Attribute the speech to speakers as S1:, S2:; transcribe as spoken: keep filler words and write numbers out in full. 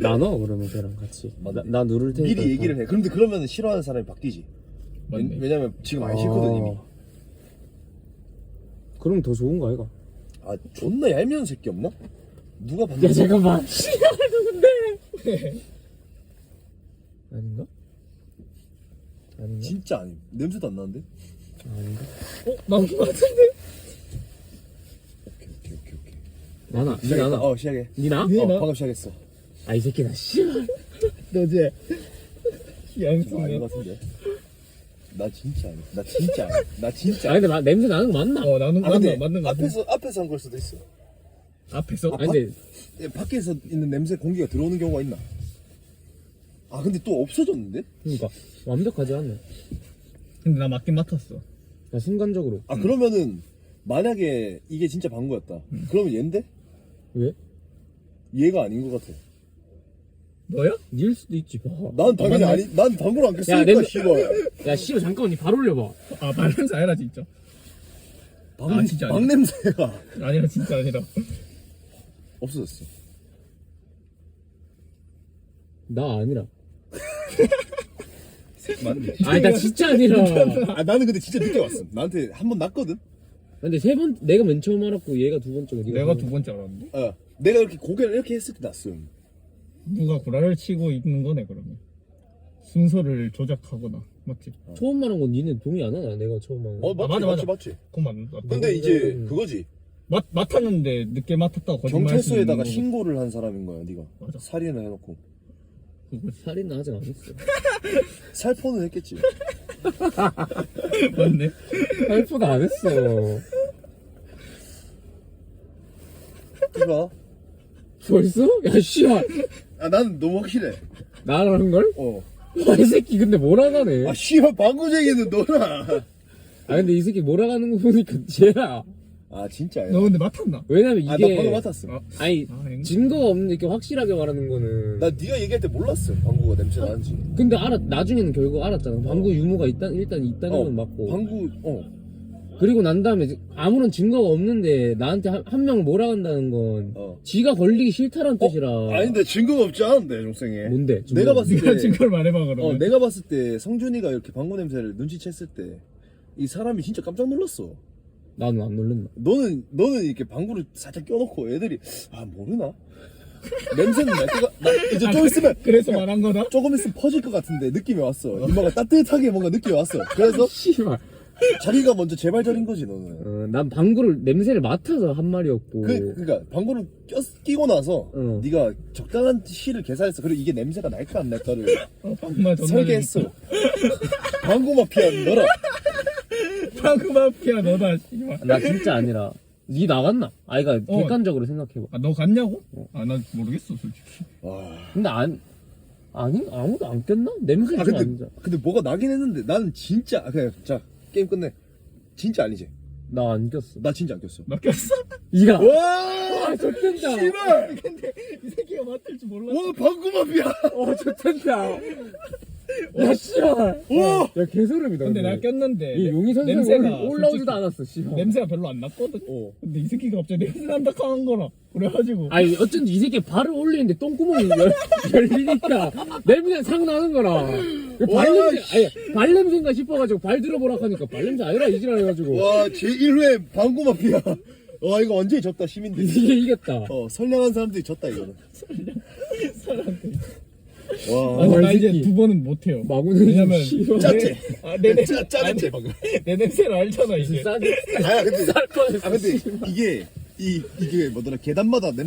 S1: 나눠 그러면 걔랑 같이. 나,
S2: 맞네.
S1: 나 누를 테니까.
S2: 미리 얘기를 해. 그런데 그러면 싫어하는 사람이 바뀌지.
S3: 맞네.
S2: 왜냐면 지금 안 싫거든 이미.
S1: 그럼 더 좋은 거 아이가?
S2: 아 존나 얄미운 새끼 없나? 누가 봤는데?
S1: 야 잠깐만. 씨발 누군데? 아닌가? 아닌가?
S2: 진짜 아니. 냄새도 안 나는데?
S1: 아닌가?
S3: 어? 나온 거 같은데?
S2: 오케이 오케이 오케이 오케이.
S1: 나나. 니
S2: 시작했다.
S1: 나나.
S2: 어 시작해.
S1: 니나?
S3: 니
S2: 어
S3: 나?
S2: 방금 시작했어.
S1: 아 이 새끼다. 씨발.
S3: 너지?
S2: 좀 아닌
S3: 양승이야.
S2: 것 같은데. 나 진짜 아니. 나 진짜 아니. 나 진짜.
S1: 아 근데 마, 냄새 나는 거 맞나?
S3: 어 나는
S2: 아
S3: 맞나
S2: 근데
S3: 맞는 거 같아.
S2: 앞에서 앞에서 한 걸 수도 있어.
S3: 앞에서?
S1: 아니 근데
S2: 예, 밖에서 있는 냄새 공기가 들어오는 경우가 있나? 아 근데 또 없어졌는데?
S1: 그러니까 완벽하지 않네.
S3: 근데 나 맞긴 맡았어.
S1: 나 순간적으로.
S2: 아 그러면은 만약에 이게 진짜 방구였다. 그러면 얘인데?
S1: 왜?
S2: 얘가 아닌 것 같아.
S3: 너야?
S1: 닐 수도 있지. 봐.
S2: 난 당연히
S3: 맞네.
S2: 아니. 난 방구를 안
S1: 야,
S2: 꼈으니까
S1: 냄새-
S2: 씨발.
S1: 야 씨발 잠깐만 니 발 올려봐.
S3: 아 발냄새 아니라 진짜.
S2: 방,
S3: 아, 진짜
S2: 방
S3: 아니야.
S2: 냄새가
S3: 아니라 진짜 아니라.
S2: 없어졌어.
S1: 나 아니라.
S2: 맞네.
S1: 아니 나 진짜 아니라.
S2: 아 나는 근데 진짜 늦게 왔음. 나한테 한 번 났거든.
S1: 근데 세 번 내가 맨 처음 알았고 얘가 두 번째고 네가
S3: 내가
S1: 세
S3: 두
S1: 번.
S3: 번째 알았는데.
S2: 어. 내가 이렇게 고개를 이렇게 했을 때 났음.
S3: 누가 구라를 치고 있는 거네 그러면. 순서를 조작하거나 맞지?
S1: 처음 말한 건 니네 동의 안 하나? 내가 처음 말한 거.
S2: 어 맞지
S3: 맞아,
S2: 맞지
S3: 맞아.
S2: 맞지.
S3: 그만. 맞-
S2: 근데 이제
S1: 음.
S2: 그거지.
S3: 맡 맡았는데 늦게 맡았다고 거짓말 할 수는 있는
S2: 경찰서에다가
S3: 거고.
S2: 신고를 한 사람인 거야, 네가.
S3: 맞아.
S2: 살인을 해놓고
S3: 그거지.
S1: 살인은 아직 안 했어.
S2: 살포는 했겠지.
S3: 맞네.
S1: 살포도 안 했어.
S2: 이봐.
S1: 벌써? 야 씨발.
S2: 아 나는 너무 확실해.
S1: 나랑 한 걸?
S2: 어.
S1: 와, 이 새끼 근데 몰아가네.
S2: 아 씨발 방구쟁이는 너나.
S1: 아 근데 이 새끼 몰아가는 거 보니까 쟤야.
S2: 아 진짜야.
S3: 너 근데 맡았나?
S1: 왜냐면
S2: 아 나
S1: 이게
S2: 방금 맡았어.
S3: 아,
S1: 아니
S3: 아, 행-
S1: 증거가 없는데 이렇게 확실하게 말하는 거는.
S2: 나 네가 얘기할 때 몰랐어. 방구가 냄새 나는지.
S1: 근데 알아 나중에는 결국 알았잖아. 방구 유무가 있다 일단 있다는
S2: 어.
S1: 건 맞고.
S2: 방구 어.
S1: 그리고 난 다음에 이제 아무런 증거가 없는데 나한테 한, 한 명을 몰아간다는 건
S2: 어.
S1: 지가 걸리기 싫다는 뜻이라.
S2: 아닌데 증거가 없지 않은데 종생이.
S1: 뭔데? 증거?
S2: 내가 봤을
S3: 네가
S2: 때.
S3: 증거를 말해봐 그러면.
S2: 어 내가 봤을 때 성준이가 이렇게 방구 냄새를 눈치챘을 때 이 사람이 진짜 깜짝 놀랐어.
S1: 나는 안 놀랬나?
S2: 너는 너는 이렇게 방구를 살짝 껴놓고 애들이 아 모르나? 냄새는 날 거가 나 이제 좀 있으면
S3: 그래서 말한 거다?
S2: 조금 있으면 퍼질 것 같은데 느낌이 왔어. 이마가 따뜻하게 뭔가 느낌이 왔어. 그래서
S1: 씨발.
S2: 자기가 먼저 제발저린 거지 너는.
S1: 어, 난 방구를 냄새를 맡아서 한 말이었고.
S2: 그 그러니까 방구를 껴, 끼고 나서
S1: 어.
S2: 네가 적당한 시를 계산했어. 그리고 이게 냄새가 날까 안 날까를
S3: 어, 방구만 존나
S2: 설계했어. 방구 마피아 너라.
S3: 방구 마피아 너다 씨발.
S1: 나 진짜 아니라. 니 나갔나? 아이가
S3: 어.
S1: 객관적으로 생각해봐.
S3: 아, 너 갔냐고? 아, 나 모르겠어, 솔직히.
S2: 와.
S1: 근데 안 아니 아무도 안 꼈나? 냄새
S2: 아
S1: 좀
S2: 근데
S1: 안 나.
S2: 근데 뭐가 나긴 했는데 나는 진짜 아, 그냥 자 게임 끝내. 진짜 아니지.
S1: 나안 꼈어.
S2: 나 진짜 안 꼈어.
S3: 나 꼈어?
S1: 이가.
S2: 와.
S1: 아 좋댄다.
S2: 씨발.
S3: 근데 이 새끼가 맡을 줄 몰랐어.
S2: 와 방구 마피아.
S1: 어 좋댄다. 야 씨발.
S2: 와.
S1: 야 개소름이다.
S3: 근데 나 꼈는데.
S1: 이 용의 선수가
S3: 냄새가
S1: 올라오지도
S3: 솔직히
S1: 않았어. 씨발.
S3: 냄새가 별로 안 났거든.
S2: 어.
S3: 근데 이 새끼가 갑자기 냄새 난다 하는 거라. 그래가지고.
S1: 아니 어쩐지 이 새끼 발을 올리는데 똥구멍이 열, 열리니까 냄새 상 나는 거라. 그
S2: 와,
S1: 발냄새 아니 발냄새인가 싶어가지고 발 들어보라 하니까 발냄새 아니라 이지랄 해가지고
S2: 와 제일 회 방구 마피아. 와 이거 완전히 졌다 시민들.
S1: 이게 이겼다.
S2: 어 선량한 사람들이 졌다 이거는.
S3: 사람들이.
S2: 와.
S3: 아,
S1: 와,
S3: 나
S1: 이
S3: 이제
S1: 새끼.
S3: 두 번은 못해요.
S1: 마구는
S3: 왜냐면
S1: 씨발.
S2: 짰지?
S3: 아, 내 냄새.
S2: 짜 짜는데 방금.
S3: 내 냄새를 알잖아, 이제.
S1: 싸게
S2: 아 근데
S1: 쌀 뻔했어.
S2: 아 근데 이게 이 이게 뭐더라 계단마다 냄